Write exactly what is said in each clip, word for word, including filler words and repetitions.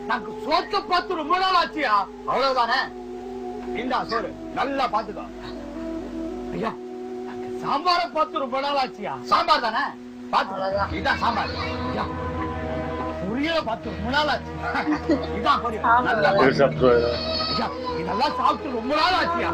நாங்க சோத்த பார்த்து ரொம்ப நாள் ஆச்சியா. அவ்வளவுதானே. இந்தா சோறு நல்லா பாத்துக்கோ. ஐயா சாம்பார பார்த்து ரொம்ப நாள் ஆச்சியா. சாம்பார் தானே பாத்து. இதான் சாம்பார். ஐயா பொரியல பார்த்து ரொம்ப நாள் ஆச்சு. இதான் பொரியல் நல்லா. ஐயா இதெல்லாம் சாப்பிட்டு ரொம்ப நாள் ஆச்சியா.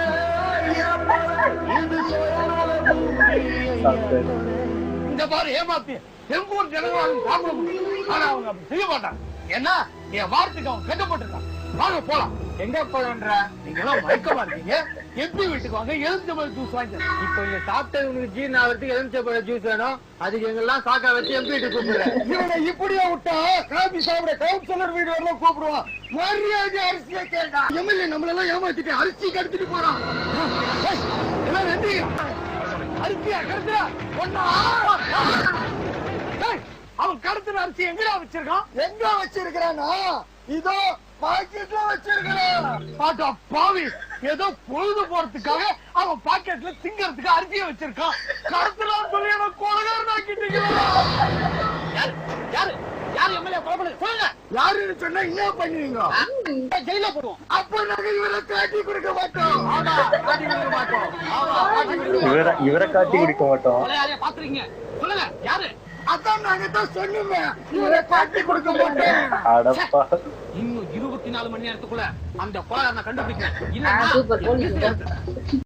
இந்த பாரு ஏமாத்தி எங்க ஊர் ஜனங்களும் சாப்பிட முடியும். ஆனா அவங்க அப்படி செய்ய மாட்டாங்க. ஏன்னா என் வார்த்தைக்கு அவன் கட்டப்பட்டிருக்கான். வாங்க போலாம். எங்க போறன்ற நீங்க எல்லாம் மயக்கமா இருக்கீங்க. எப்படி வீட்டுக்கு வாங்க. எலுமிச்சம்பழ ஜூஸ் வாங்கி. இப்ப இங்க சாப்பிட்டவங்களுக்கு ஜீர்ண ஆகிறதுக்கு எலுமிச்சம்பழ ஜூஸ் வேணும். அதுக்கு எங்கெல்லாம் சாக்கா வச்சு எம்பி வீட்டுக்கு கூப்பிடுறேன். இவனை இப்படியா விட்டா காபி சாப்பிட கவுன்சிலர் வீடு வரலாம் கூப்பிடுவான். மரியாதை அரிசியை கேட்டா எம்எல்ஏ நம்மள எல்லாம் ஏமாத்திட்டு அரிசி கடத்திட்டு போறான். எல்லாம் நன்றி. அரிசியா கடத்துறா ஒன்னா. அவன் கடத்துற அரிசி எங்கடா வச்சிருக்கான். எங்க வச்சிருக்கானா இதோ பாக்கெட்ல வச்சிருக்கான். பாட்டா பாவி ஏதோ பொழுது போறதுக்காக அவன் பாக்கெட்ல திங்கறதுக்கு அரிசியை வச்சிருக்கான். கடத்தலாம் சொல்லி அவன் கொலகாரன் ஆக்கிட்டீங்க. யாரு யாரு யாரு எம்எல்ஏ கொலை பண்ணது சொல்லுங்க. யாருன்னு சொன்னா என்ன பண்ணுவீங்க. ஜெயில போடுவோம். அப்ப நாங்க இவரை காட்டி கொடுக்க மாட்டோம். ஆமா காட்டி கொடுக்க மாட்டோம். இவரை இவரை காட்டி கொடுக்க மாட்டோம். யாரையா பாத்துறீங்க சொல்லுங்க யாரு. அதான் நாங்க தான் சொன்னோமே இவரை காட்டி கொடுக்க மாட்டோம். இன்னும் இருபத்தி நாலு மணி நேரத்துக்குள்ள அந்த கொலைகாரனை கண்டுபிடிக்கிறேன்.